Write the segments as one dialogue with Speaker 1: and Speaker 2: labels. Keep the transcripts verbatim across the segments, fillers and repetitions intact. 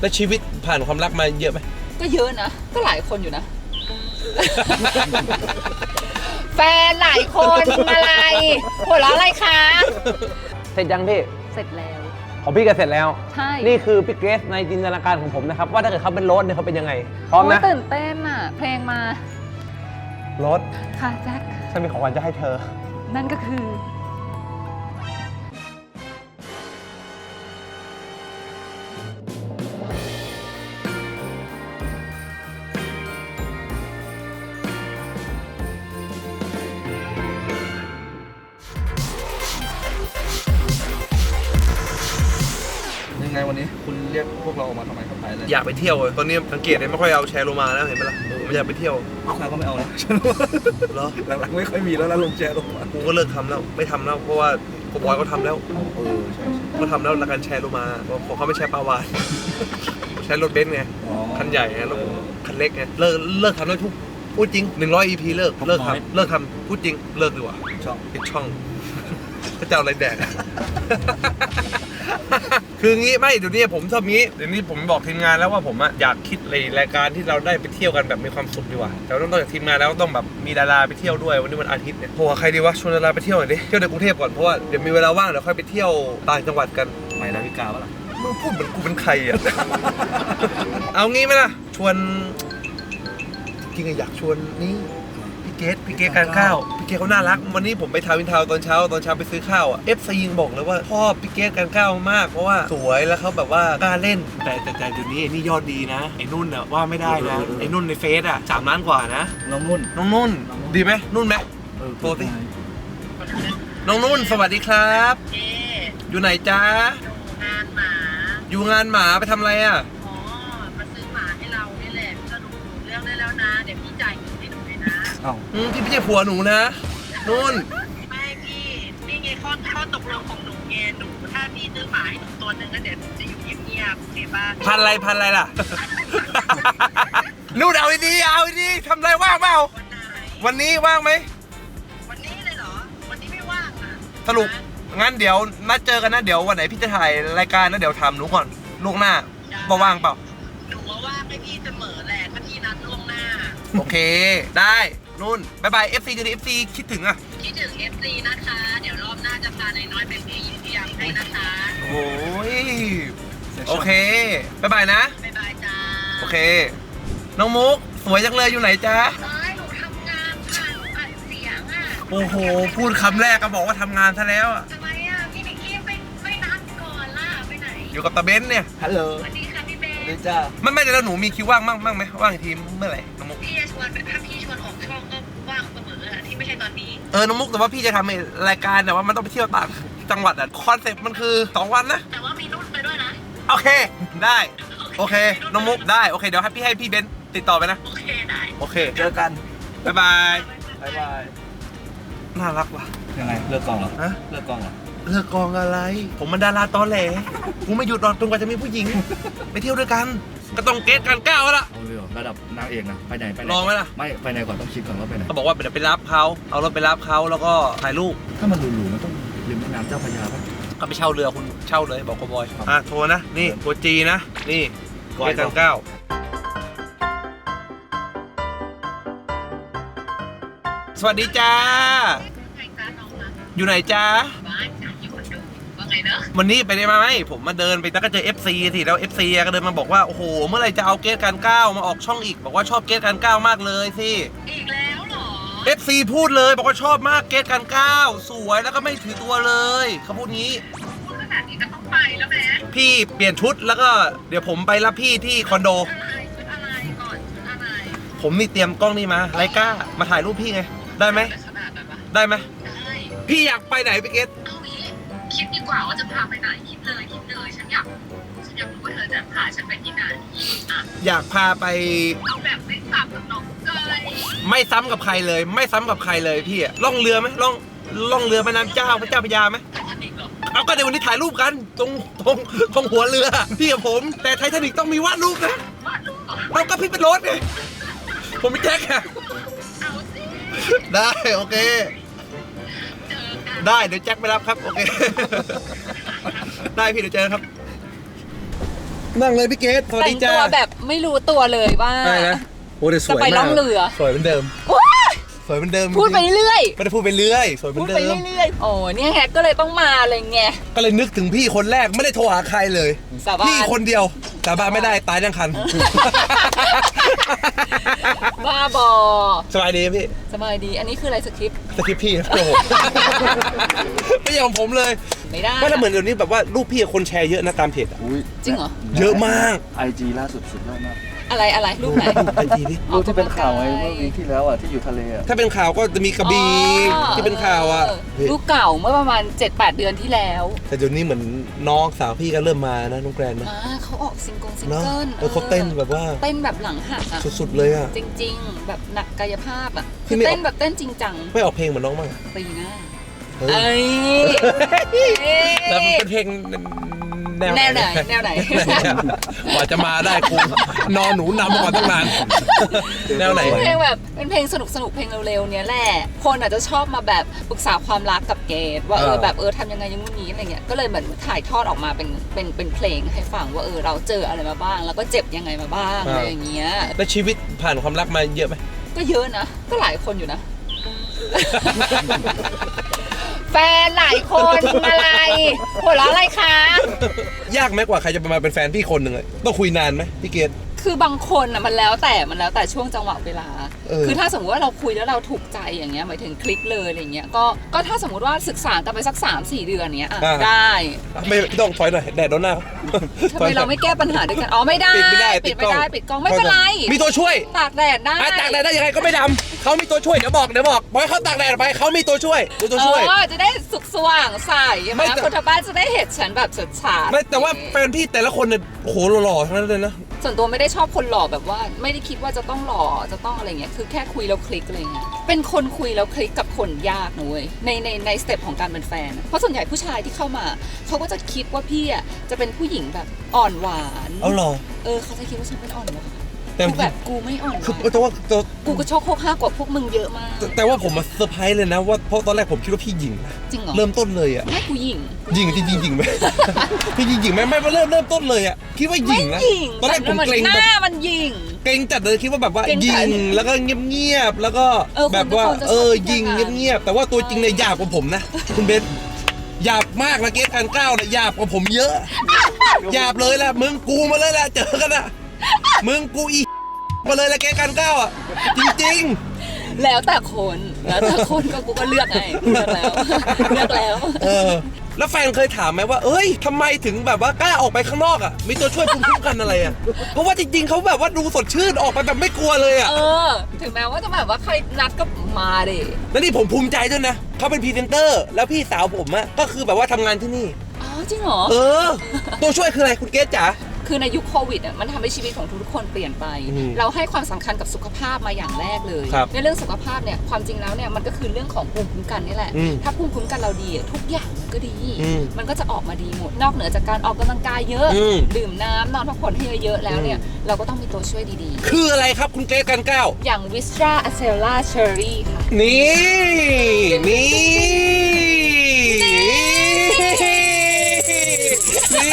Speaker 1: แล้วชีวิตผ่านความรักมาเยอะไหม
Speaker 2: ก็เยอะนะก็หลายคนอยู่นะ แฟนหลายคนอะไรหัวเราะอะไรคะ
Speaker 3: เสร็จยังพี่
Speaker 2: เสร็จแล้ว
Speaker 3: ของพี่ก็เสร็จแล้ว
Speaker 2: ใช่
Speaker 3: นี่คือพี่เกรซในจินตนาการของผมนะครับว่าถ้าเกิดเขาเป็นโรสเนี่ยเขาเป็นยังไงพร้อมนะ
Speaker 2: ตื่นเต้นอ่ะเพลงมา
Speaker 3: โรส
Speaker 2: ค่ะแจ็ค
Speaker 3: ฉันมีของขวัญจะให้เธอ
Speaker 2: นั่นก็คือ
Speaker 4: ไงวันนี้คุณเรียกพวกเราออกมาทำไมครับไปเลย
Speaker 1: อยากไปเที่ยวตอนนี้สังเกตเลยไม่ค่อยเอาแชร์โลมาแล้วเห็นไหมล่ะผมอยากไปเที่ยว
Speaker 4: ลูกค้าก็ไม่เอาแล้ว
Speaker 1: เหรอ
Speaker 4: หลังๆไม่ค่อยมีแล้วนะลงแชร์ลงมา
Speaker 1: กูก็เลิกทำแล้วไม่ทำแล้วเพราะว่าโกบอยเขาทำแล้ว
Speaker 4: เออใช่
Speaker 1: เขาทำแล้วแล้วการแชร์โลมาเพราะเขาไม่ใช้ปลาวานใช้รถเบนซ์ไงคันใหญ่ไงรถคันเล็กไงเลิกเลิกทำแล้วทุกพูดจริงหนึ่งร้อยอีพีเลิกเลิกทำเลิกทำพูดจริงเลิกดีกว่า
Speaker 4: ช่อง
Speaker 1: ปิดช่องก็จะเอาอะไรแดกคืองี้ไม่เดี๋ยวนี้ผมชอบงี้เดี๋ยวนี้ผมบอกทีมงานแล้วว่าผมอยากคิดรายการที่เราได้ไปเที่ยวกันแบบมีความสุขดีกว่าแต่ต้องจากทีมงานแล้วต้องแบบมีดาราไปเที่ยวด้วยวันนี้วันอาทิตย์เนี่ยโหใครดีวะชวนดาราไปเที่ยวหน่อยดิเที่ยวในกรุงเทพก่อนเพราะว่าเดี๋ยวมีเวลาว่างเดี๋ยวค่อยไปเที่ยวต่างจังหวัดกัน
Speaker 4: ใหม่ดาวิกาปะล่ะ
Speaker 1: มึงพูดเหมือนกูเป็นใครอ่ะ เอางี้ไหมล่ะชวนจริงๆอยากชวนนี่พี่เกดพี่เกดการข้าวพี่เกดเขาน่ารักวันนี้ผมไปทาวน์อินทาวน์ตอนเช้าตอนเช้าไปซื้อข้าวอ่ะเอฟซียังบอกเลยว่าชอบพี่เกดการข้าวมากเพราะว่าสวยแล้วเขาแบบว่ากล้าเล่นแต่แต่แต่เดี๋ยวนี้ไอ้นี่ยอดดีนะไอ้นุ่นอ่ะว่าไม่ได้นะไอ้นุ่นในเฟซอ่ะสามล้านกว่านะ
Speaker 4: น้องนุ่น
Speaker 1: น้องนุ่นดีไหมนุ่นไหมโทรสิน้องนุ่นสวัสดีครับอยู่ไหนจ๊ะ
Speaker 5: งานหมา
Speaker 1: อยู่งานหมาไปทำอะไรอ่ะ
Speaker 5: อ๋อมาซื้อหมาให้เรานี่แหละก็ดูเรื่องได้แล้วนะเดี๋ยวพี่จ่ายเงินให้หนูเลยนะ
Speaker 1: อ้าวพี่ไม่ใช่ผัวหนูนะนุ่น
Speaker 5: ไม่พี่นี่ไงข้อข้อตกลงของหนูไงหนูถ้าพี่ซื้อหมาให้หนูตัวนึงก็เดี๋ยวหนูจะอยู่เงียบๆโอเคป่ะ
Speaker 1: พันอะไรพันอะไรล่ะ นุ่นเอาดีเอาดีทำไรว่างเปล่าวันนี้ว่างไหม
Speaker 5: วันนี้เลยเหรอวันนี้ไม่ว่างอ่ะ
Speaker 1: สรุปงั้นเดี๋ยวนัดเจอกันนะเดี๋ยววันไหนพี่จะถ่ายรายการนะเดี๋ยวถามหนูก่อนล่วงหน้าว่าว่างเปล่า
Speaker 5: หนูว่าว่างให้พี่เสมอแหละถ้าพี่นัดล่วงหน้า
Speaker 1: โอเคได้นุ่นบายบาย เอฟ ซี จะดี เอฟ ซี คิดถึงอ่ะ
Speaker 5: คิดถึง เอฟ ซี นะคะเดี๋ยวรอบหน้าจะพานายน้อยเป็นพี่ยิ้มพี่ยำให้นะคะ
Speaker 1: โอ้ยโอเคบายบายนะ
Speaker 5: บายบายจ้า
Speaker 1: โอเคน้องมุกสวยจังเลยอยู่ไหนจ๊ะ
Speaker 5: หนูทำงานค่ะหนูอัดเสียงอ่ะ
Speaker 1: โอ้โหพูดคำแรกก็บอกว่าทำงานซะแล้วอ่ะ
Speaker 5: ทำไมอ่ะพี่นิกกี้ไปไม่นัดก่อนล่ะไปไหน
Speaker 1: อยู่กับตาเบนเนี่ย
Speaker 4: ฮัลโหล
Speaker 5: สวัสดีค่ะพี่เบน
Speaker 4: นี่จ้า
Speaker 1: ไม่ไม่เดี๋ยวหนูมีคิวว่างมั่งมั่งไหมว่างทีมเมื่อไหร่น้องมุก
Speaker 5: พี่จะชวนถ้าพี่ชวนออกช่องก็ว่างเสมออ่ะที่ไม่ใช่ตอนนี้
Speaker 1: เออน้องมุกแต่ว่าพี่จะทำรายการแต่ว่ามันต้องไปเที่ยวต่างจังหวัดอ่ะคอนเซ็ปต์มันคือสองวันนะ
Speaker 5: แต่ว่ามีนุ่นไปด้วยนะ
Speaker 1: โอเคได้โอเคน้องมุกได้โอเคเดี๋ยวให้พี่ให้พี่เบนติดต่อไปนะ
Speaker 5: โอเคได้
Speaker 1: โอเค
Speaker 4: เจอกัน
Speaker 1: บ๊ายบาย
Speaker 4: บ๊ายบาย
Speaker 1: น่ารักว่ะ
Speaker 4: ยังไงเลิกกองเหรอ
Speaker 1: ฮะ
Speaker 4: เลิกกองเหรอ
Speaker 1: เลิกกองอะไรผมมันดาราตอแหลกูไม่หยุดรอจนกว่าจะมีผู้หญิงไปเที่ยวด้วยกันก็ต้องเกตกันก้าวแล้วล่ะ
Speaker 4: เอาเลยระดับนางเอกนะไปไหนไปไหน
Speaker 1: ลองไหมล่ะ
Speaker 4: ไม่ไปไหนก่อนต้องคิดก่อนว่าไปไหน
Speaker 1: เขาบอกว่าเดี๋ยวไปรับเขาเอารถไปรับเขาแล้วก็ถ่ายรูป
Speaker 4: ถ้ามันหรูๆมันต้องริมแม่น้ำเจ้าพระยาป่ะ
Speaker 1: ก็ไปเช่าเรือคุณเช่าเลยบอกกบอยอ่ะโทรนะนี่ตัวจีนะนี่เกตกันก้าวสวัสดีจ้าอยู่ไหนจ้าวันนี้ไปได้ไหมผมมาเดินไปแล้วก็เจอ เอฟ ซี สิแล้ว เอฟ ซี ก็เดินมาบอกว่าโอ้โหเมื่อไหร่จะเอาเกตการก้าวมาออกช่องอีกบอกว่าชอบเกตการก้าวมากเลยสิ
Speaker 5: อีกแล้วเหรอ
Speaker 1: เอฟ ซี พูดเลยบอกว่าชอบมากเกตการก้าวสวยแล้วก็ไม่ถือตัวเลยเขาพูดงี้
Speaker 5: พูดขนาดนี้ก็ต้องไปแล้วแหม
Speaker 1: พี่เปลี่ยนชุดแล้วก็เดี๋ยวผมไปรับพี่ที่คอนโด
Speaker 5: ชุดอะไรก่อนชุดอะไร
Speaker 1: ผมนี่เตรียมกล้องนี่มาไลกามาถ่ายรูปพี่ไงได้ไหมได้ไหม
Speaker 5: ได้
Speaker 1: พี่อยากไปไหนพี่เกต
Speaker 5: เอางี้คิดดีกว่าว่าจะพาไปไหนคิดเลยคิดเลยฉันอยากฉันอยากรู้ว่าเธอจะพาฉันไปที่ไหนอ่ะ
Speaker 1: อยากพาไป
Speaker 5: เอาแบบไม่ซ้ำกับน้องเลย
Speaker 1: ไม่ซ้ำกับใครเลยไม่ซ้ำกับใครเลยพี่อะล่องเรือไหมล่องล่องเรือแม่น้ำเจ้าพระเจ้าพระยาไหมเอาก็เดี๋ยววันนี้ถ่ายรูปกันตรงตรงตรงหัวเรือพี่กับผมแต่ไททานิคต้องมีวาดรูปนะ
Speaker 5: วาดรูป
Speaker 1: เอาก็พี่เป็นรถไงผมเป็นแจ็คอะ
Speaker 5: เอาสิ
Speaker 1: ได้โอเคได้เดี๋ยวแจ็คไปรับครับโอเคได้พี่เดี๋ยวเจอครับนั่งเลยพี่เกดสวัส
Speaker 2: แต่
Speaker 1: ดี
Speaker 2: ง
Speaker 1: จ้า
Speaker 2: ตัวแบบไม่รู้ตัวเลยว่า
Speaker 1: อะไรนะโอ้แต่สวย
Speaker 2: จะไป
Speaker 1: มาก
Speaker 2: ล่องเรือ
Speaker 1: สวยเหมือนเดิม
Speaker 2: ว้าย
Speaker 1: สวยเหมือนเดิม
Speaker 2: พูดไปเรื่อย
Speaker 1: ไม่ได้พูดไปเรื่อยสวยเหมื
Speaker 2: พู
Speaker 1: อ
Speaker 2: ด
Speaker 1: น
Speaker 2: ไป
Speaker 1: เดิม
Speaker 2: เรื่อยๆโอ้เนี่ยแฮกก็เลยต้องมาเลยไง
Speaker 1: ก็เลยนึกถึงพี่คนแรกไม่ได้โทรหาใครเลย
Speaker 2: สาบาน
Speaker 1: พี่คนเดียวสาบานไม่ได้ตายทั้งคัน
Speaker 2: บ้าบอ
Speaker 1: สบายดีไหมพี่
Speaker 2: สบายดี อันนี้คืออะไรสคริปต์
Speaker 1: สคริปต์พี่นะโอ้โห ไม่ใช่ของผมเลย
Speaker 2: ไม่ได้
Speaker 1: ไม่แต่เหมือนเดี๋ยวนี้แบบว่ารูปพี่คนแชร์เยอะนะตามเพจอะ
Speaker 4: อุ้ย
Speaker 2: จริงเหรอ
Speaker 1: เยอะมาก
Speaker 4: ไอจีล่าสุดสุดยอดมาก
Speaker 2: อะไรอะไรรูปไหน
Speaker 1: ไอจีดิ
Speaker 4: รูปที่เป็นข่าวไงเมื่อวีคที่แล้วอ่ะที่อยู่ทะเลอ่ะ
Speaker 1: ถ้าเป็นข่าวก็จะมีกระบี่
Speaker 2: อ๋อ
Speaker 1: ที่เป็นข่าวอ่ะ
Speaker 2: เรูปเก่าเมื่อประมาณ เจ็ดแปด เดือนที่แล้ว
Speaker 1: แต่เดี๋ยวนี้เหมือนน้องสาวพี่ก็เริ่มมานะน้องแกรนนะ
Speaker 2: อ่าเขาออกซิงเกิลซิง
Speaker 1: เนาะ
Speaker 2: เกิล
Speaker 1: เออเขาเต้นแบบว่า
Speaker 2: เต้นแบบหลังหักอ่ะ
Speaker 1: สุดๆเลยอ่ะ
Speaker 2: จริงๆ แบบหนักกายภาพอ่ะ
Speaker 1: พี่
Speaker 2: คือ
Speaker 1: ไม่
Speaker 2: เต้นแบบเต้นจริงจัง
Speaker 1: ไม่ออกเพลงเหมือนน้องบ้างอะ
Speaker 2: ปีหน้า
Speaker 1: เฮ้ย
Speaker 2: เอ้ย
Speaker 1: แล้วมันเป็นเพลงแนว
Speaker 2: แนวไหนแนวไหน
Speaker 1: กว่าจะมาได้กูนอนหนูนำมาก่อนตั้งนาน แนวไหน
Speaker 2: เป็นเพลงแบบเป็นเพลงสนุกสนุกๆเพลงเร็วๆเนี้ยแหละคนอาจจะชอบมาแบบปรึกษาความรักกับเกดว่าเออแบบเออทำยังไงอยังงู้นนี้อะไรเงี้ยก็เลยเหมือนถ่ายทอดออกมาเป็นเป็นเป็นเพลงให้ฟังว่าเออเราเจออะไรมาบ้าง แล้วก็เจ็บยังไงมาบ้างอะไรอย่างเงี้ย
Speaker 1: แล้วชีวิตผ่านความรักมาเยอะไหม
Speaker 2: ก็เยอะนะ ก็หลายคนอยู่นะ แฟนหลายคนอะไรหัวเราะอะไรคะ
Speaker 1: ยากไหมกว่าใครจะมาเป็นแฟนพี่คนหนึ่งเลยต้องคุยนานไหมพี่เกด
Speaker 2: คือบางคนอ่ะมันแล้วแต่มันแล้วแต่ช่วงจังหวะเวลา
Speaker 1: เออ
Speaker 2: คือถ้าสมมติว่าเราคุยแล้วเราถูกใจอย่างเงี้ยหมายถึงคลิกเลยอะไรเงี้ยก็ก็ถ้าสมมติว่าศึกษากันไปสัก สามสี่ เดือนเนี้ยอ่ะได้
Speaker 1: ไม่ต้องถอยหน่อยแดดโดนหน้า
Speaker 2: ทำไมเราไม่แก้ปัญหาด้วยกันอ๋อไม่ได้
Speaker 1: ปิดไม่ได้
Speaker 2: ปิดไม่ได้ปิดกล้องไม่เป็นไร
Speaker 1: มีตัวช่วย
Speaker 2: ตากแดดได้
Speaker 1: อ่ะตากแดดได้ยังไงก็ไม่ดำเขามีตัวช่วยเดี๋ยวบอกเดี๋ยวบอกบอกให้เขาตากแดดไปเขามีตัวช่วยมีตัว
Speaker 2: เอ
Speaker 1: ช่วย
Speaker 2: อจะได้สุกสว่างใสใช่ไหม
Speaker 1: ไม่แต่
Speaker 2: คนทางบ้านจะได้เห็นฉันแบบสดใส
Speaker 1: ไม่แต่ว่าแฟนพี่แต่ละคนเนี่ยโอ้โหหล่อๆทั้งนั้นเลยนะ
Speaker 2: ส่วนตัวไม่ได้ชอบคนหล่อแบบว่าไม่ได้คิดว่าจะต้องหล่อจะต้องอะไรเงี้ยคือแค่คุยแล้วคลิกอะไรเงี้ยเป็นคนคุยแล้วคลิกกับคนยากนะเว้ยในในในสเต็ปของการเป็นแฟนอะเพราะส่วนใหญ่ผู้ชายที่เข้ามาเขาก็จะคิดว่าพี่อ่ะจะเป็นผู้หญิงแบบอ่อนหวาน
Speaker 1: เอาหรอ
Speaker 2: เออเขาจะคิดว่าฉันเป็นอ่อนหวาน
Speaker 1: แต่
Speaker 2: กูแบบกูไม่อ่อนห
Speaker 1: คือ
Speaker 2: วาน
Speaker 1: แต่ว่าแต่
Speaker 2: กูก็โชคโคกห้ากว่าพวกมึงเยอะมาก
Speaker 1: แต่ว่าผมมาเซอร์ไพรส์เลยนะว่าเพราะตอนแรกผมคิดว่าพี่หญิงนะ
Speaker 2: จริงเหรอ
Speaker 1: เริ่มต้นเลยอ่ะ
Speaker 2: ไม่กูหญิง
Speaker 1: หญิงจริงจริงหญิงไหม พี่หญิงหญิงไหมไม่เริ่มเริ่มต้นเลยอ่ะคิดว่าหญิงนะ
Speaker 2: ไม่หญิง
Speaker 1: ตอนแรกผม
Speaker 2: แต่
Speaker 1: เกรง
Speaker 2: ห
Speaker 1: แบบ
Speaker 2: น้ามันหญิง
Speaker 1: เกรงจัดเลยคิดว่าแบบว่า
Speaker 2: เกรง
Speaker 1: ยิ
Speaker 2: จัด
Speaker 1: งแล้วก็เงียบๆแล้วก็
Speaker 2: เออคน
Speaker 1: แบบว่า
Speaker 2: ทุกคนจะชอบ
Speaker 1: เออ
Speaker 2: คิด
Speaker 1: ยิง
Speaker 2: อย่างนั้น
Speaker 1: เงียบๆแต่ว่าตัวจริงเนี่ยหยาบกว่าผมนะ คุณเบนหยาบมากนะเกสการก้าวเนี่ยหยาบกว่าผมเยอะหยาบเลยแหละมึงกูมาเลยแหละเจอกันอะมึงกูอีมาเลยแหละเกสการก้าวอะจริง
Speaker 2: แล้วแต่คนแล้วแต่คนก็กูก็เลือกไงเลือกแล้วเลือกแล้ว
Speaker 1: ๆ เออ แล้วแฟนเคยถามไหมว่าเอ้ยทำไมถึงแบบว่ากล้าออกไปข้างนอกอะมีตัวช่วยภูมิคุ้มกันอะไรอะเพราะว่าจริงๆเขาแบบว่าดูสดชื่นออกไปแบบไม่กลัวเลยอะ
Speaker 2: เออ ถึงแม้ว่าจะแบบว่าใครนัดก็มาดิ
Speaker 1: แล้วนี่ผมภูมิใจด้วยนะเขาเป็นพรีเซนเตอร์แล้วพี่สาวผมอะก็คือแบบว่าทำงานที่นี่
Speaker 2: อ๋อจริงเหรอ
Speaker 1: เออ ตัวช่วยคืออะไรคุณเกสจ๋า
Speaker 2: คือในยุคโควิดอ่ะมันทำให้ชีวิตของทุกๆคนเปลี่ยนไป
Speaker 1: อืม
Speaker 2: เราให้ความสำคัญกับสุขภาพมาอย่างแรกเลย
Speaker 1: ครับ
Speaker 2: ในเรื่องสุขภาพเนี่ยความจริงแล้วเนี่ยมันก็คือเรื่องของภูมิคุ้มกันนี่แหละ
Speaker 1: อืม
Speaker 2: ถ้าภูมิคุ้มกันเราดีอะทุกอย่างมันก็ดี
Speaker 1: อืม
Speaker 2: มันก็จะออกมาดีหมด นอกเหนือจากการออกกำลังกายเยอะ
Speaker 1: อืม
Speaker 2: ดื่มน้ำนอนพักผ่อนให้เยอะๆแล้วเนี่ยเราก็ต้องมีตัวช่วยดี
Speaker 1: คืออะไรครับคุณเกรซกันก้าว
Speaker 2: ๆ อย่าง Vistra Acela Cherry ค่ะ
Speaker 1: นี่ นี่ นี่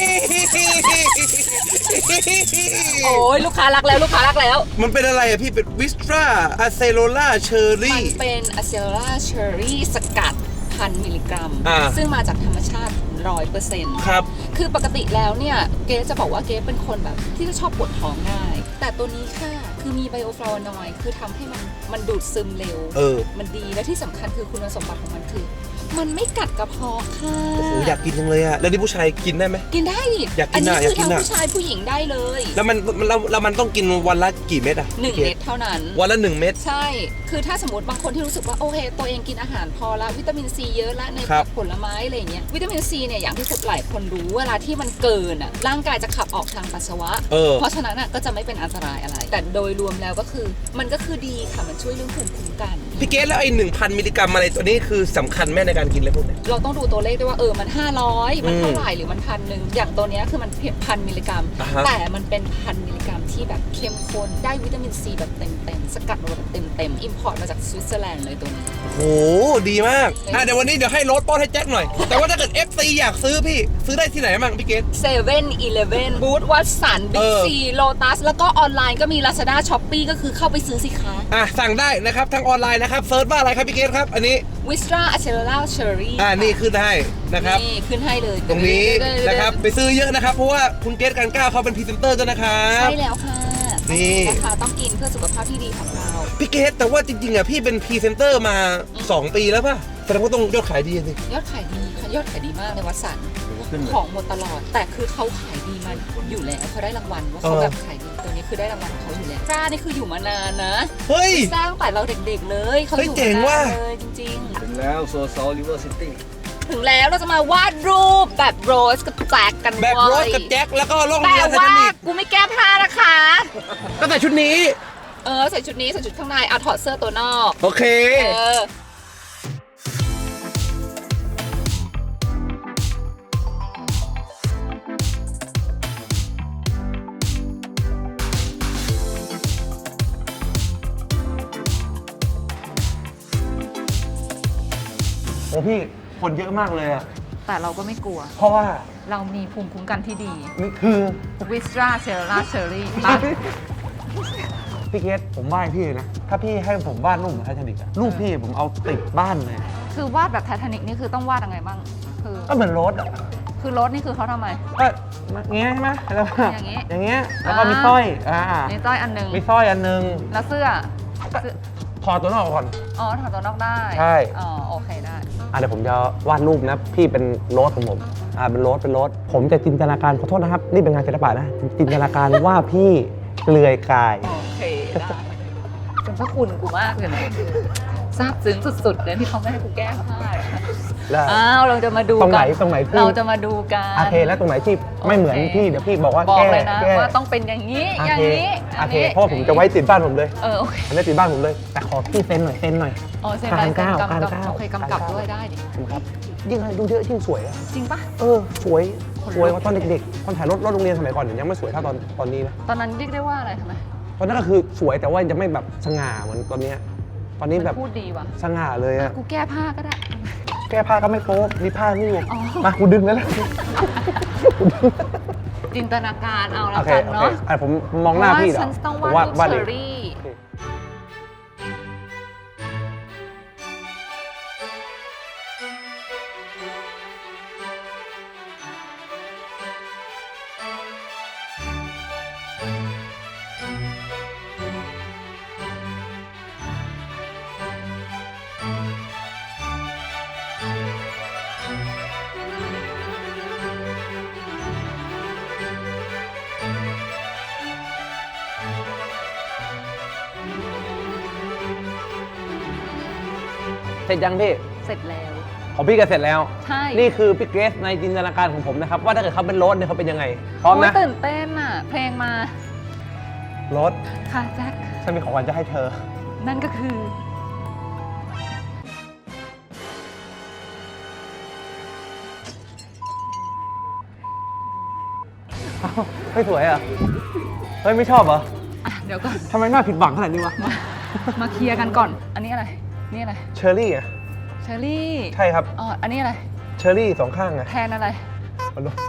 Speaker 2: โอ้ยลูกค้ารักแล้วลูกค้ารักแล้ว
Speaker 1: มันเป็นอะไรอะพี่เป็นวิสตราอะเซโลล่าเชอร์
Speaker 2: มั
Speaker 1: รี่
Speaker 2: นเป็น Acela Cherry สกัดพันมิลลิกรัม
Speaker 1: อ่า
Speaker 2: ซึ่งมาจากธรรมชาติร้อยเปอร์เซ็นต์
Speaker 1: ครับ
Speaker 2: คือปกติแล้วเนี่ยเกรซจะบอกว่าเกรซเป็นคนแบบที่จะชอบปวดท้องง่าย แต่ตัวนี้ค่ะคือมีไบโอฟลาวานอยด์คือทำให้มันมันดูดซึมเร็ว
Speaker 1: เออ
Speaker 2: มันดีและที่สำคัญคือคุณสมบัติของมันคือ มันไม่กัดกระเพาะค่ะ
Speaker 1: โอ้โหอยากกินจังเลยอะแล้วนี่ผู้ชายกินได้ไหม
Speaker 2: กินได้ดิ
Speaker 1: อยากกิน
Speaker 2: อันี้
Speaker 1: น่ะ
Speaker 2: คือ
Speaker 1: อยากกิน
Speaker 2: ทั้ง
Speaker 1: น่ะ
Speaker 2: ผู้ชายผู้หญิงได้เลย
Speaker 1: แล้วมันมันแล้วแล้วมันต้องกินวันละกี่เม็ดอะ
Speaker 2: หนึ่ง
Speaker 1: พี่
Speaker 2: เม็ดเท่านั้น
Speaker 1: วันละหนึ่งเม็ด
Speaker 2: ใช่ คือถ้าสมมติบางคนที่รู้สึกว่าโอเคตัวเองกินอาหารพอละวิตามินซีเยอะละใน
Speaker 1: ครับ
Speaker 2: ผลไม้อะไรอย่างเงี้ยวิตามินซีเนี่ยอย่างที่สุดหลายคนรู้เวลาที่มันเกินอ่ะร่างกายจะขับออกทางปัสสาวะ
Speaker 1: เออ
Speaker 2: เพราะฉะนั้นอ่ะก็จะไม่เป็นอันตรายอะไร แต่โดยรวมแล้วก็คือมันก็คือดีค่ะมันช่วยเรื่องภูมิคุ้มกัน
Speaker 1: พี่เกสแล้วไอ้หนึ่งพันมิลลิกรัมอะไรตัวนี้คือสำคัญแม่ในการกินเลยพวกเนี้ย
Speaker 2: เราต้องดูตัวเลขด้วยว่าเออมันห้าร้อยมัน
Speaker 1: อืม
Speaker 2: เท่าไหร่หรือมันพันหนึ่งอย่างตัวเนี้ยคือมันเพียงพันมิลลิกรัม
Speaker 1: อ่าฮะ
Speaker 2: แต่มันเป็นพันมิลลิกรัมที่แบบเข้มข้นได้วิตามินซีแบบเต็มๆสกัดมาแบบเต็มๆอิมพพอร์ตมาจากสวิตเซอร์แลนด์เลยตัวนี้
Speaker 1: โหดีมากอ่ะเดี๋ยววันนี้เดี๋ยวให้โรสป้อนให้แจ็คหน่อย แต่ว่าถ้าเกิด เอฟ ซี อยากซื้อพี่ซื้อได้ที่ไหนบ้างพี่เกด
Speaker 2: เซเว่นอีเลฟเว่นบูธวัตสันบิ๊
Speaker 1: เอกอ
Speaker 2: ซีโลตัสแล้วก็ออนไลน์ก็มี Lazada Shopee ก็คือเข้าไปซื้อสิคะ
Speaker 1: อ่ะสั่งได้นะครับทางออนไลน์นะครับเซิร์ชว่าอะไรครับพี่เกดครับอันนี้
Speaker 2: วิสตราอะเชลล่าเชอรี่
Speaker 1: อ่านี่ขึ้นให้นะครับ
Speaker 2: นี่ขึ้นให้เลย
Speaker 1: ตรงนี้นะครับไปซื้อเยอะนะครับเพราะว่าคุณเกดกันก้าวเขาเป็นพรีเซนเตอร์ด้วยนะครับ
Speaker 2: ใช่แล้วค่ะ
Speaker 1: นี่
Speaker 2: นะคะต้องกินเพื่อสุขภาพที่ดีของเรา
Speaker 1: พี่เกดแต่ว่าจริงๆอ่ะพี่เป็นพรีเซนเตอร์มาสองปีแล้วป่ะแสดงว่าต้องยอดขายดีสิ
Speaker 2: ยอดขายดีค่ะยอดขายดีมากในวัดสัน
Speaker 4: ขึ้นเลย
Speaker 2: ของหมดตลอด แต่คือเขาขายดีมาอยู่แล้วเขาได้รางวัลว่าเขาแบบขายดีตัวนี้คือได้รางวัลของเขาอยู่แล้วจ้านี่คืออยู่มานานนะ
Speaker 1: เฮ้ย
Speaker 2: สร้างแต่เราเด็กๆเลยเขา
Speaker 1: เฮ้
Speaker 2: อย ยู่
Speaker 1: เจ๋ง
Speaker 2: มา
Speaker 1: ว่ะ
Speaker 2: นานเลยจริง
Speaker 4: ถึงแล้วโซซอลริเวอร์ซิตี้
Speaker 2: ๆ ถึงแล้วเราจะมาวาดรูปแบบโรสกับแจ็คกัน
Speaker 1: แบบ
Speaker 2: เว้ย
Speaker 1: โรสกับแจ็คแล้วก็ล่อง
Speaker 2: แต่
Speaker 1: เรือไท
Speaker 2: ว่า
Speaker 1: ทานิค
Speaker 2: กูไม่แก้ผ้านะคะ
Speaker 1: ก็ใส่ชุดนี้
Speaker 2: เออใส่ชุดนี้ใส่ชุดข้างในเอาถอดเสื้อตัวนอก
Speaker 1: โอเค
Speaker 2: เออ
Speaker 3: โอ้พี่คนเยอะมากเลยอะ
Speaker 2: แต่เราก็ไม่กลัว
Speaker 3: เพราะว่า
Speaker 2: เรามีภูมิคุ้มกันที่ดี
Speaker 3: นี่คือ
Speaker 2: วิสตราเชลล่าเชอรี่
Speaker 3: พี่เกดผมไหว้พี่เลยนะ ถ้าพี่ให้ผมวาดรูปเหมือนไททานิกอะรูปพี่ผมเอาติดบ้านเลย
Speaker 2: คือวาดแบบไททานิกนี่คือต้องวาดยังไงบ้าง คือ
Speaker 3: ก็เหมือนรถอะ
Speaker 2: คือรถนี่คือเขาทำไม
Speaker 3: ก็อย่างเงี้ยใช่ไหมแล้วก็
Speaker 2: อย่างงี้
Speaker 3: อย่างเงี้ยแล้วก็
Speaker 2: อ่ามี
Speaker 3: มีสร้อยอ่า
Speaker 2: นี่ต้อยอันหนึง
Speaker 3: มีสร้อยอันหนึง
Speaker 2: แล้วเสื้อเสื้อ
Speaker 3: ถอดตัวนอกก่อน
Speaker 2: อ๋อถอดตัวนอกได้
Speaker 3: ใช่
Speaker 2: อ๋อโอเคได้
Speaker 3: อ่ะเดี๋ยวผมจะวาดรูปนะ พี่เป็นโรสของผมอ่าเป็นโรสเป็นโรสผมจะจินตนาการขอโทษนะครับ นี่เป็นงานศิลปะนะ จินตนาการว่าพี่เปลือยกาย
Speaker 2: โอเคได้จนพระคุณกูมากเลยนะซาบซึ้งสุดๆเลยที่เขาไม่ให้กูแก้ผ้า
Speaker 3: แล้ว
Speaker 2: อ้าวเราจะมาดู
Speaker 3: ตรงไหน
Speaker 2: กั
Speaker 3: ตรงไหนพี่
Speaker 2: เราจะมาดูกัน
Speaker 3: โอเคแล้วตรงไหนที่ไม่เหมือน
Speaker 2: โอเค
Speaker 3: พี่เดี๋ยวพี่บอกว่า
Speaker 2: บอก
Speaker 3: แก้
Speaker 2: เลยนะ
Speaker 3: แก้
Speaker 2: ว่าต้องเป็นอย่างนี้
Speaker 3: โอ
Speaker 2: อย่าง
Speaker 3: เค
Speaker 2: นี้
Speaker 3: โอเคเพราะผมจะไว้ติดบ้านผมเลย
Speaker 2: เออโอเค
Speaker 3: อันนี้ติดบ้านผมเลย แต่ขอพี่เซ็นหน่อยเซ็นหน่อย
Speaker 2: อ๋อเซ็น
Speaker 3: การ
Speaker 2: ลายเซ็น
Speaker 3: ก้าว
Speaker 2: กำ
Speaker 3: การ
Speaker 2: กับ
Speaker 3: ก้าว
Speaker 2: โอเคกำกับ
Speaker 3: การก้าว
Speaker 2: ด้วยได้ดิ
Speaker 3: ครับยิ่งอายุเยอะยิ่งสวยอะ
Speaker 2: จริงปะ
Speaker 3: เออสวยสวยกว่าตอนเด็กๆตอนถ่ายรถรถโรงเรียนสมัยก่อนเนี่ยยังไม่สวยเท่าตอนตอนนี้นะ
Speaker 2: ตอนนั้นเรียกได้ว่าอะไรทำไม
Speaker 3: ตอนนั้นก็คือสวยแต่ว่ายังไม่แบบสง่าเหมือนตอนเนี้ยตอนนี้แบบ
Speaker 2: มันพูดดีว่ะ
Speaker 3: สง่าเลยอะ
Speaker 2: กูแก้ผ้าก็ได้
Speaker 3: แก้ผ้าก็ไม่โป๊ะมีผ้านี่ไง
Speaker 2: อ๋อ
Speaker 3: มากูดึงแล้วแหละ
Speaker 2: จินตนาการเอา
Speaker 3: โอ
Speaker 2: แล้ว
Speaker 3: เค
Speaker 2: กัน
Speaker 3: โอเค
Speaker 2: เนาะ
Speaker 3: อ่ะผมมองหน้าพี่
Speaker 2: เพ
Speaker 3: เดี๋
Speaker 2: ราะ
Speaker 3: ยว
Speaker 2: ว่าฉันต้อง
Speaker 3: ผม
Speaker 2: วาดรูป
Speaker 3: วาด
Speaker 2: เช
Speaker 3: เอ
Speaker 2: อง รี่
Speaker 3: โอเคเสร็จยังพี่
Speaker 2: เสร็จแล้ว
Speaker 3: ของพี่ก็เสร็จแล้ว
Speaker 2: ใช่
Speaker 3: นี่คือพี่เกรซในจินตนาการของผมนะครับ ว่าถ้าเกิดเขาเป็นรถเนี่ยเขาเป็นยังไง พร้อม
Speaker 2: โย
Speaker 3: นะ
Speaker 2: ตื่นเต้นอ่ะ เพลงมา
Speaker 3: รถ
Speaker 2: ค่ะแจ็ค
Speaker 3: ฉันมีของขวัญจะให้เธอ
Speaker 2: นั่นก็คือ
Speaker 3: เอ้าเฮ้ยสวยอ่ะ เฮ้ยไม่ชอบเหรอ
Speaker 2: อ่ะ เดี๋ยวก่อน
Speaker 3: ทำไมหน้าผิดหวังขนาดนี้วะ
Speaker 2: มามาเคลียร์กันก่อน อันนี้อะไร นี่อะไร
Speaker 3: เชอร์รี่อ่ะ
Speaker 2: เชอรี่
Speaker 3: ใช่ครับ
Speaker 2: อ๋อ อันนี้อะไร
Speaker 3: เชอร์รี่สองข้างอ่ะ
Speaker 2: แทนอะไร
Speaker 3: เอาดู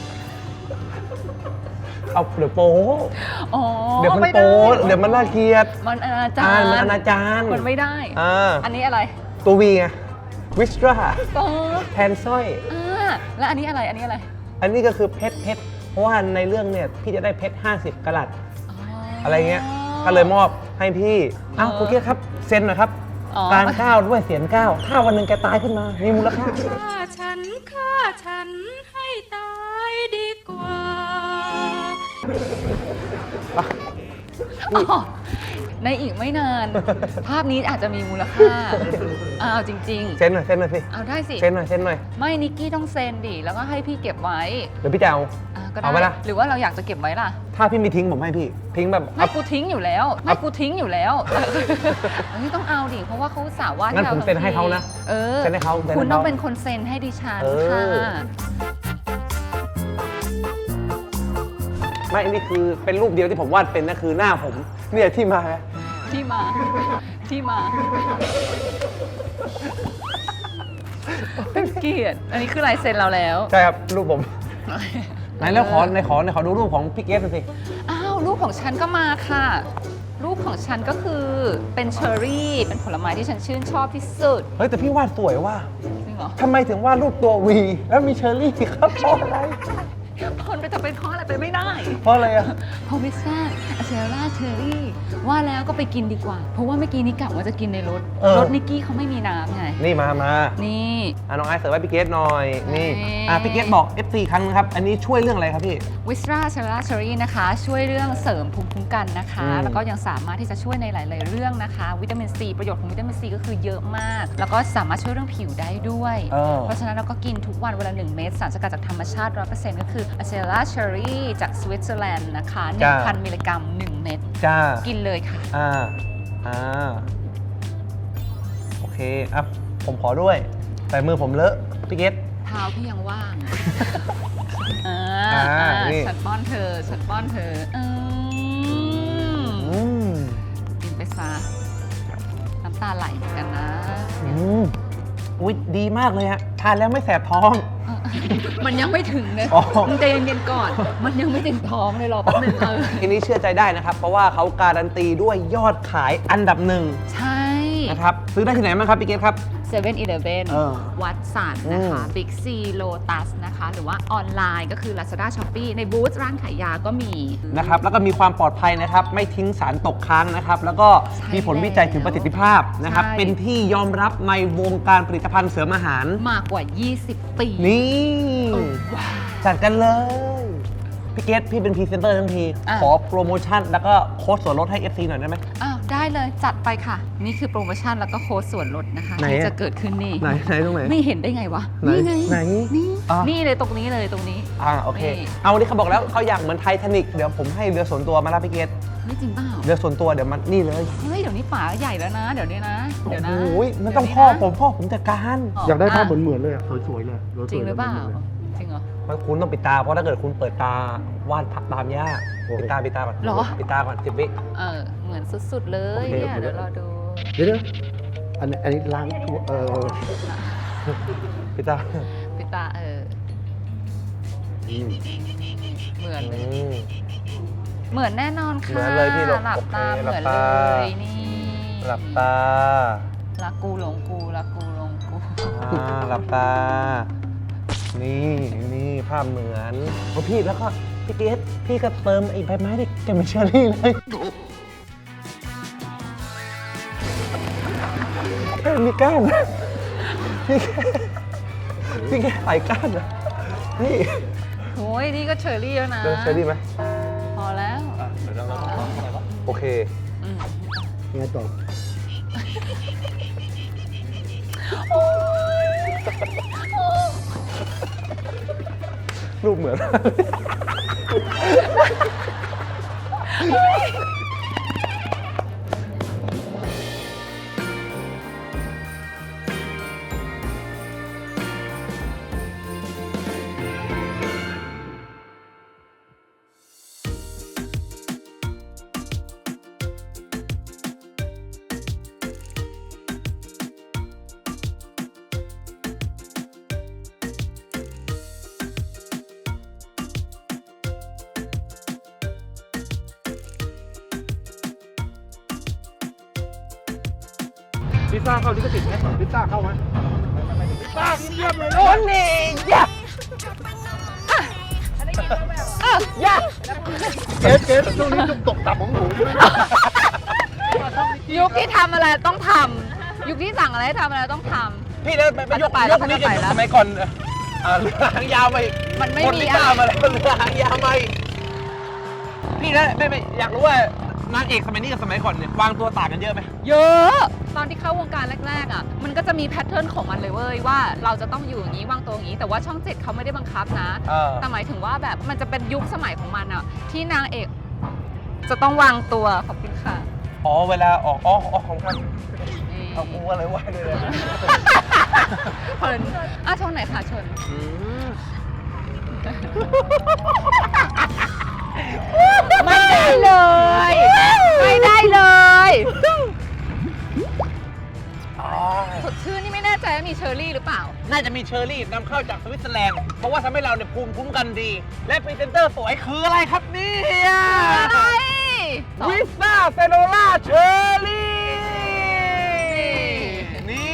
Speaker 3: เอาเดี๋ยวโป๊
Speaker 2: อ๋อ
Speaker 3: เดี๋ยวมัน
Speaker 2: ไม่ไ
Speaker 3: โป๊เดี๋ยวมันน่าเกลียด
Speaker 2: มันอนาจา
Speaker 3: อ่าร มันอ
Speaker 2: ย์
Speaker 3: นาจาร
Speaker 2: มันไม่ได้
Speaker 3: อ่า
Speaker 2: อันนี้อะไร
Speaker 3: ตัววีไงวิสตรา
Speaker 2: ก็
Speaker 3: แทนสร้อย
Speaker 2: อ่าแล้วอันนี้อะไร อันนี้อะไร
Speaker 3: อันนี้ก็คือเพชรเพชรเพราะว่าในเรื่องเนี่ยพี่จะได้เพชรห้าสิบกะรัต อะไรเงี้ย ก็เลยมอบให้พี่ อ้าว
Speaker 2: เออ
Speaker 3: คุณเกียรติครับ เซ็นหน่อยครับ
Speaker 2: อ๋อ
Speaker 3: การก้าวด้วยเสียงก้าว ถ้าวันหนึ่งแกตายขึ้นมา มีมูลค่า
Speaker 6: ฆ่าฉันฆ่าฉันให้ตายดีกว่า
Speaker 2: อ๋อในอีกไม่นาน ภาพนี้อาจจะมีมูลค่าอ้าวจริง
Speaker 3: เซ็นหน่อย เซ็นหน่อยสิ
Speaker 2: ๆ เอาได้สิ
Speaker 3: เซ็นหน่อย เซ็นหน่อย
Speaker 2: ไม่นิกกี้ต้องเซ็นดิ แล้วก็ให้พี่เก็บไว้
Speaker 3: เดี๋ยวพี่จะเอา
Speaker 2: อ่ะก็
Speaker 3: เอาไหม
Speaker 2: ได้
Speaker 3: ล่ะ
Speaker 2: หรือว่าเราอยากจะเก็บไว้ล่ะ
Speaker 3: ถ้าพี่มีทิ้งผมให้พี่ ทิ้งแบบ
Speaker 2: ไม่กูทิ้งอยู่แล้ว ไม่กูทิ้งอยู่แล้วอันนี้ต้องเอาดิ เพราะว่าเขาสาวว่าด
Speaker 3: งั้น
Speaker 2: ให้เรา
Speaker 3: ผมเซ็นให้เขานะ
Speaker 2: เออ
Speaker 3: เซ็นให้เขาเซ็นให้เขา
Speaker 2: คุณต้องเป็นคนเซ็นให้ดิฉัน
Speaker 3: เออ
Speaker 2: ค่ะ
Speaker 3: ไม่ นี่คือเป็นรูปเดียวที่ผมวาดเป็นนะคือหน้าผม เนี่ยที่มา
Speaker 2: ที่มาที่มา เป็นเกียรติอันนี้คือลายเซ็นเราแล้ว
Speaker 3: ใช่ครับรูปผมไหนแล้วขอในขอในขอดูรูปของพี่เกสหน่อยสิ
Speaker 2: อ้าวรูปของฉันก็มาค่ะ รูปของฉันก็คือเป็นเชอร์รี่เป็นผลไม้ที่ฉันชื่นชอบที่สุด
Speaker 3: เฮ้ยแต่พี่วาดสวยว่ะ
Speaker 2: จริงเหรอ
Speaker 3: ทำไมถึงวาดรูปตัววีแล้วมีเชอร์รี่ครับเพราะอะไร
Speaker 2: คนจะเป็นเพราะอะไรไปไม่ได้
Speaker 3: เพราะอะไรอ่ะ
Speaker 2: เพราะพิซซ่าอะเซร่าเชอร์รี่ว่าแล้วก็ไปกินดีกว่า เพราะว่าเมื่อกี้นี้กะว่าจะกินในรถ
Speaker 3: เออ
Speaker 2: รถนิกกี้เขาไม่มีน้ำไง
Speaker 3: นี่มามา
Speaker 2: นี่
Speaker 3: อ่ะน้องไอซ์เสิร์ฟให้พี่เกสหน่อยนี่
Speaker 2: นี่
Speaker 3: อ่ะพี่เกสบอก เอฟ ซี ครั้งนึงครับอันนี้ช่วยเรื่องอะไรครับพี่
Speaker 2: วิสราเชอร่าเชอร์รี่นะคะ ช่วยเรื่องเสริมภูมิคุ้มกันนะคะ
Speaker 3: อืม
Speaker 2: แล้วก็ยังสามารถที่จะช่วยในหลาย ๆ เรื่องนะคะ วิตามินซีประโยชน์ของวิตามินซีก็คือเยอะมาก แล้วก็สามารถช่วยเรื่องผิวได้ด้วย
Speaker 3: เออ
Speaker 2: เพราะฉะนั้นเราก็กินทุกวันเวลาหนึ่งเม็ดสารสกัดจากธรรมชาติ ร้อยเปอร์เซ็นต์ ก็คืออะเซร่าเชอร์รี่จากสวิตเซอร์แลนด์นะคะหนึ่งพันมิลลิกรัมหนึ่งเม็ด
Speaker 3: จ้า
Speaker 2: กินเลยค่ะ
Speaker 3: อ่า อ่า โอเค อ่ะ ผมขอด้วย แต่มือผมเลอะ พี่เกต
Speaker 2: เท้าพี่ยังว่าง อ่า
Speaker 3: อ่า
Speaker 2: อ่า
Speaker 3: นี่
Speaker 2: ฉันป้อนเธอ ฉันป้อนเธออืม
Speaker 3: อืม
Speaker 2: กินไปซะน้ำตาไหลเหมือนกันนะ
Speaker 3: อืมอุ๊ย ดีมากเลยฮะ ทานแล้วไม่แสบท้อง
Speaker 2: เออมันยังไม่ถึงเลย
Speaker 3: อ๋อ
Speaker 2: มึงใจเย็นๆก่อน มันยังไม่ถึงท้องเลยรอแป๊บหนึงเออ
Speaker 3: ทีนี้เชื่อใจได้นะครับ เพราะว่าเขาการันตีด้วยยอดขายอันดับหนึ่ง
Speaker 2: ใช่
Speaker 3: นะครับ ซื้อได้ที่ไหนบ้างครับ พี่เกตครับ
Speaker 2: เซเว่นอีเลฟเว่น
Speaker 3: เออ
Speaker 2: วัดสันนะคะ
Speaker 3: อืม
Speaker 2: บิ๊กซีโลตัสนะคะ หรือว่าออนไลน์ก็คือ Lazada Shopee ในบูธร้านขายยาก็มี
Speaker 3: นะครับ แล้วก็มีความปลอดภัยนะครับ ไม่ทิ้งสารตกค้างนะครับ แล้วก็
Speaker 2: ใช่
Speaker 3: มีผลวิจัยถึงประสิทธิภาพนะครับ
Speaker 2: ใช่
Speaker 3: เป็นที่ยอมรับในวงการผลิตภัณฑ์เสริมอาหาร
Speaker 2: มากกว่า ยี่สิบ ปี
Speaker 3: นี่
Speaker 2: เออว้าว
Speaker 3: จัดกันเลย พี่เกตพี่เป็นพรีเซนเตอร์ทั้งที
Speaker 2: อ่ะ
Speaker 3: ขอโปรโมชั่นแล้วก็โค้ดส่วนลดให้ เอฟ ซี หน่อยได้ไหม
Speaker 2: อ้าว ได้เลยจัดไปค่ะ นี่คือโปรโมชั่นแล้วก็โค้ดส่วนลดนะคะ
Speaker 3: ไหน
Speaker 2: ที่
Speaker 3: อะ
Speaker 2: จะเกิดขึ้นนี่
Speaker 3: ไหนไหนตรงไหน
Speaker 2: ไม่เห็นได้ไงวะ
Speaker 3: ไหน
Speaker 2: นี่ไง
Speaker 3: ไหน
Speaker 2: นี่
Speaker 3: อ่ะ
Speaker 2: นี่เลยตรงนี้เลยตรงนี้
Speaker 3: อ่าโอเค
Speaker 2: นี่
Speaker 3: เอาวันนี้เขาบอกแล้วเขาอยากเหมือนไททานิกเดี๋ยวผมให้เรือส่วนตัวมารับพี่เกต
Speaker 2: ไม่จริงเปล่า
Speaker 3: เรือส่วนตัวเดี๋ยวมันนี่เลย
Speaker 2: เฮ้ยเดี๋ยวนี้ป๋าใหญ่แล้วนะ เดี๋ยวนี้นะ เดี๋ยวนะ
Speaker 3: โอ้ยมันต้องพ่อผมพ่อผมจัดการ
Speaker 7: อยากได้ภาพเหมือนเหมือนๆเลยอ่ะ สวยๆเลยสวยๆ
Speaker 2: จริงหรือเปล่า
Speaker 7: มืนๆลย
Speaker 2: จริงเหรอ
Speaker 3: มันคุณต้องปิดตา เพราะถ้าเกิดคุณเปิดตาวาดพักตามยาก
Speaker 7: โอเค
Speaker 3: ปิดตาปิดตาก่อน
Speaker 2: เหรอ
Speaker 3: ปิดตาก่อนสิบวิ
Speaker 2: เออ เหมือนสุดๆเลย
Speaker 3: โอเค
Speaker 2: เนี่ย เดี๋ยวรอดู
Speaker 7: เดี๋ยวๆอันนี้อันนี้ล้างทั่วเออ
Speaker 3: ปิดตา
Speaker 2: ปิดตาเออ
Speaker 7: อืม
Speaker 2: เหมือน
Speaker 3: อืม
Speaker 2: เหมือนแน่นอนค่ะ
Speaker 3: เหมือนเลยพี่หลบ
Speaker 2: หลับตา
Speaker 3: โอเค
Speaker 2: เหมือน
Speaker 3: หลั
Speaker 2: เล
Speaker 3: บตา
Speaker 2: ยนี่
Speaker 3: หลับตา
Speaker 2: รักกูหลงกูรักกูหลงกู
Speaker 3: อ่าหลับตา นี่นี่ภาพเหมือนโอ้พี่แล้วก็พี่เกสพี่ก็เติมไอ้ใบไม้ที่แกเป็นเชอรี่เลยเฮ้ยมีก้านนะพี่แกพี่แกใส่ก้านนะนี่
Speaker 2: โอ้ยนี่ก็เชอร์รี่แล้วนะ
Speaker 3: เติมเชอรี่ไหม
Speaker 2: พอแล้ว
Speaker 3: โอเค
Speaker 2: อืม
Speaker 7: ยังไงต่อ
Speaker 3: รูปเหมือน พิซซ่าเข้าลิขสิทธิ์ไหมพิซซ่าเข้าไหมพิซซ่าเยี่ยมเลยโอ้นี่ยะยะ
Speaker 7: เกสเกสช่วงนี้จุกตกต่ำของหนู
Speaker 2: ยุคที่ทำอะไรต้องทำยุคที่สั่งอะไรให้ทำอะไรต้องท
Speaker 3: พี่แล้วไปยก
Speaker 2: ไป
Speaker 3: ย
Speaker 2: แล้ว
Speaker 3: กนี้
Speaker 2: ไปแล้ว
Speaker 3: สมัยก่อนอ่าเรือหางยาวไป
Speaker 2: มันไม่
Speaker 3: คน
Speaker 2: มี
Speaker 3: พิซซ่า
Speaker 2: อะไร
Speaker 3: มาแล้วเรือหางยาวไปพี่แล้วไม่ไม่อยากรู้ว่านางเอกสมัยนี้กับสมัยก่อนเนี่ยวางตัวต่างกันเยอะไหม
Speaker 2: ำเยอะ ตอนที่เข้าวงการแรกๆอ่ะมันก็จะมีแพทเทิร์นของมันเลยเว้ยว่าเราจะต้องอยู่อย่างนี้วางตัวอย่างนี้ แต่ว่าช่องเจ็ดเขาไม่ได้บังคับนะ
Speaker 3: เออ
Speaker 2: แต่หมายถึงว่าแบบมันจะเป็นยุคสมัยของมันอ่ะที่นางเอกจะต้องวางตัวขอบคุณค่ะ
Speaker 3: อ๋อเวลาออกอ๋อออกของท่าน
Speaker 2: นี่
Speaker 3: เอากูอะไรไหวด้วยเลย
Speaker 2: เพลินอ่ะชนไหนค่ะชน
Speaker 3: อืม
Speaker 2: ไม่ได้เลย ไม่ได้เลยใจว่ามีเชอร์รี่หรือเปล่า
Speaker 3: น่าจะมีเชอร์รี่นำเข้าจากสวิตเซอร์แลนด์ เพราะว่าทำให้เราเนี่ยภูมิคุ้มกันดี และพรีเซนเตอร์สวยคืออะไรครับเนี่ย
Speaker 2: อะไรสอง
Speaker 3: วิสต้าเซโนล่าเชอร์รี่ นี่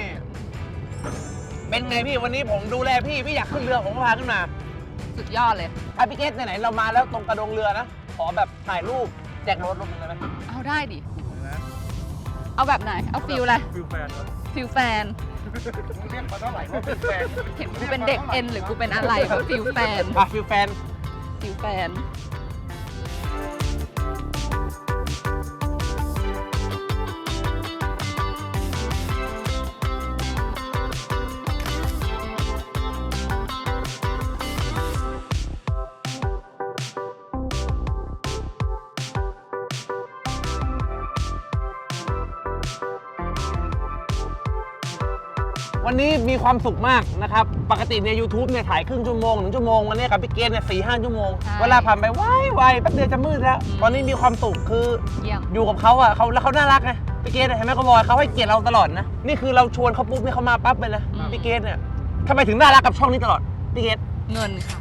Speaker 3: เป็นไงพี่วันนี้ผมดูแลพี่ พี่อยากขึ้นเรือผมก็พาขึ้นมา
Speaker 2: สุดยอดเลย
Speaker 3: อ่ะพี่เกสไหนๆเรามาแล้วตรงกระดงเรือนะ ขอแบบถ่ายรูปแจกรถลงเลยไหม
Speaker 2: เอาได้ดิ เอาแบบไหน เอาฟิลอะไร
Speaker 4: ฟิลแฟนครับ
Speaker 2: ฟิลแฟน
Speaker 4: มึงเรียกมาเท่าไหร่ว่าฟิลแฟน
Speaker 2: เห็นกูเป็นเด็กเอ็นหรือกูเป็นอะไรวะฟิลแฟน
Speaker 3: อ่ะฟิลแฟน
Speaker 2: ฟิลแฟน
Speaker 3: วันนี้มีความสุขมากนะครับ ปกติใน YouTube เนี่ยถ่ายครึ่งชั่วโมงหนึ่งชั่วโมง วันนี้กับพี่เกสเนี่ยสี่ห้าชั่วโมง
Speaker 2: ใช่
Speaker 3: เวลาผ่านไปไวไวแป๊บเดียวจะมืดแล้ว
Speaker 2: อืม
Speaker 3: ตอนนี้มีความสุขคือ
Speaker 2: เยี่ยม
Speaker 3: อยู่กับเขาอ่ะเขาแล้วเขาน่ารักไงพี่เกสเห็นไหมเขาบอยเขาให้เกียรติเราตลอดนะ นี่คือเราชวนเขาปุ๊บเนี่ยเขามาปั๊บเลยนะพี่เกสเนี่ยทำไมถึงน่ารักกับช่องนี้ตลอดพี่เกส
Speaker 2: เงินค่ะ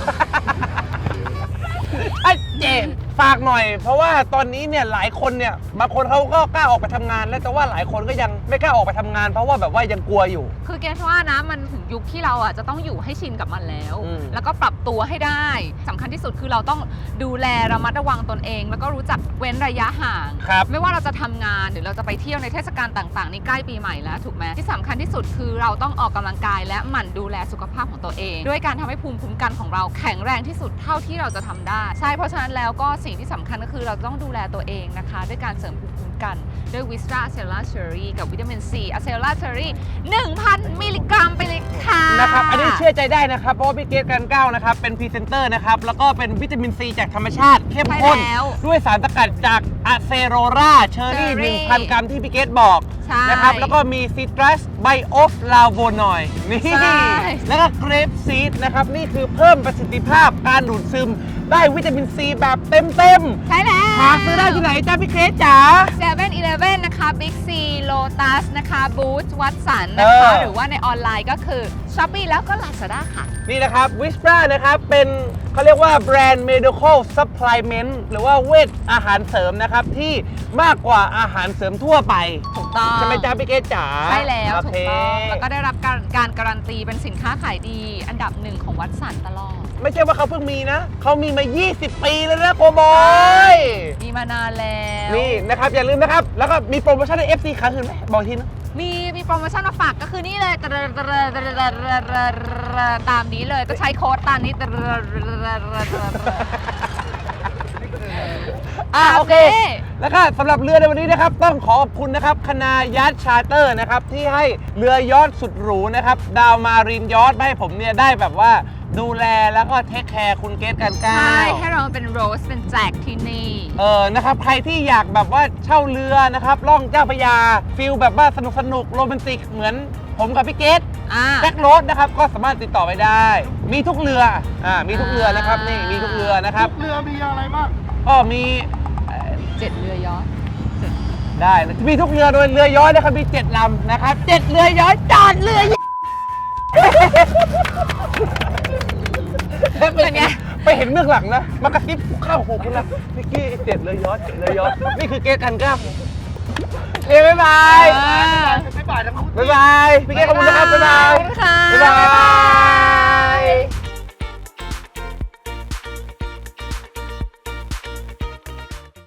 Speaker 3: ไอ้เจมส์ฝากหน่อย เพราะว่าตอนนี้เนี่ยหลายคนเนี่ยบางคนเขาก็กล้าออกไปทำงาน แล้วแต่ว่าหลายคนก็ยังไม่กล้าออกไปทำงาน เพราะว่าแบบว่ายังกลัวอยู่
Speaker 2: คือเกรซว่านะมันถึงยุคที่เราอ่ะจะต้องอยู่ให้ชินกับมันแล้ว
Speaker 3: อืม
Speaker 2: แล้วก็ปรับตัวให้ได้สำคัญที่สุดคือเราต้องดูแลระมัดระวังตนเอง แล้วก็รู้จักเว้นระยะห่าง
Speaker 3: ครับ
Speaker 2: ไม่ว่าเราจะทำงานหรือเราจะไปเที่ยวในเทศกาลต่างๆนี่ใกล้ปีใหม่แล้วถูกไหมที่สำคัญที่สุดคือเราต้องออกกำลังกายและหมั่นดูแลสุขภาพของตัวเอง ด้วยการทำให้ภูมิคุ้มกันของเราแข็งแรงที่สุดเท่าที่เราจะทำได้ใช่เพราะฉะนั้นแล้วก็สิ่งที่สำคัญก็คือเราต้องดูแลตัวเองนะคะด้วยการเสริมภูมิคุ้มกันด้วยวิสตราเซลลาเชอรี่กับวิตามินซีอะเซลลาเชอรี่ หนึ่งพัน มิลลิกรัมไปเลยค่ะ
Speaker 3: นะครับ อันนี้เชื่อใจได้นะครับ เพราะว่าพี่เกสกันเก้านะครับ เป็นพรีเซนเตอร์นะครับ แล้วก็เป็นวิตามินซีจากธรรมชาติเข้มข้น
Speaker 2: ใช่แล้ว
Speaker 3: ด้วยสารสกัดจากอะเซโรราเชอรี่
Speaker 2: Cherry
Speaker 3: หนึ่งพัน กรัมที่พี่เกสบอก
Speaker 2: ใช่
Speaker 3: นะครับ แล้วก็มีซิตรัสไบโอฟลาโวนอยด์นี่
Speaker 2: ใช่
Speaker 3: แล้วก็เกรปซีดนะครับ นี่คือเพิ่มประสิทธิภาพการดูดซึมได้วิตามินซีแบบเต็มเต็มๆ
Speaker 2: ใช่แล้ว
Speaker 3: หาซื้อได้ที่ไหนจ้าพี่เกสจ๋า
Speaker 2: เซเว่นอีเลฟเว่นนะคะ Big C Lotus นะคะบูธวัตสันนะ
Speaker 3: เอ
Speaker 2: คะ
Speaker 3: อ
Speaker 2: หรือว่าในออนไลน์ก็คือ Shopee แล้วก็ Lazada ค่ะ
Speaker 3: นี่นะครับวิสปรานะครับเป็นเขาเรียกว่าแบรนด์ medical supplement หรือว่าเวชอาหารเสริมนะครับ ที่มากกว่าอาหารเสริมทั่วไป
Speaker 2: ถูกต้อง
Speaker 3: ใช่ไหมจ๊ะพี่เกศจ๋า
Speaker 2: ใช่แล้ว
Speaker 3: โอ
Speaker 2: ถู
Speaker 3: เค
Speaker 2: กต้อง แล้วก็ได้รับการการการันตีเป็นสินค้าขายดี อันดับหนึ่งของวัตสันตลอด
Speaker 3: ไม่ใช่ว่าเขาเพิ่งมีนะ เขามีมา ยี่สิบ ปีแล้วนะโกบอย
Speaker 2: มีมานานแล้ว
Speaker 3: นี่นะครับ อย่าลืมนะครับ แล้วก็มีโปรโมชั่นใน เอฟ ซี ครั้งอื่นไหมบอกทีนะ
Speaker 2: มีมีโปรโมชั่นมาฝากก็คือนี่เลยตามนี้เลยก็ใช้โค้ดตามนี้
Speaker 3: อ่าโอเค
Speaker 2: นี่
Speaker 3: แล้วก็สำหรับเรือในวันนี้นะครับ ต้องขอขอบคุณนะครับคณะยัทชาร์เตอร์นะครับ ที่ให้เรือยอชต์สุดหรูนะครับ ดาวมารีนยอชต์ให้ผมเนี่ยได้แบบว่าดูแลแล้วก็เทคแคร์คุณเกสกันก้า
Speaker 2: ใช่
Speaker 3: ว
Speaker 2: ให้เราเป็นโรสเป็นแจกที่นี่
Speaker 3: เออ นะครับ ใครที่อยากแบบว่าเช่าเรือนะครับ ล่องเจ้าพระยา ฟิลแบบว่าสนุกสนุกโรแมนติก เหมือนผมกับพี่เกส
Speaker 2: อ่า
Speaker 3: แจ็คโรสนะครับ ก็สามารถติดต่อไปได้ มีทุกเรือ อ่า มีทุกเรือนะครับ นี่ มีทุกเรือนะครับ
Speaker 4: เรือมีอะไรบ้าง
Speaker 3: ก็มีเอ่อ
Speaker 2: เจ็ดเรือยอชต์
Speaker 3: ได้ มีทุกเรือโดยเรือย้อยนะครับ มีเจ็ดลำนะครับเจ็ดเรือย้อยจอดเรือ
Speaker 2: เป็นไง
Speaker 3: ไปเห็นเบื้องหลังนะ มากระซิบข้างหูคุณนะพี่กี้เจ็ดเลยย้อนเจ็ดเลยย้อนนี่คือเกสกันกล้ามเอ้ยบ๊ายบาย
Speaker 2: อ่า
Speaker 4: บ๊ายบายทั้งคู่
Speaker 3: บ๊ายบายพี่กี้ขอบคุณนะครับบ๊ายบาย
Speaker 2: ขอบคุณค่ะ
Speaker 3: บ๊ายบาย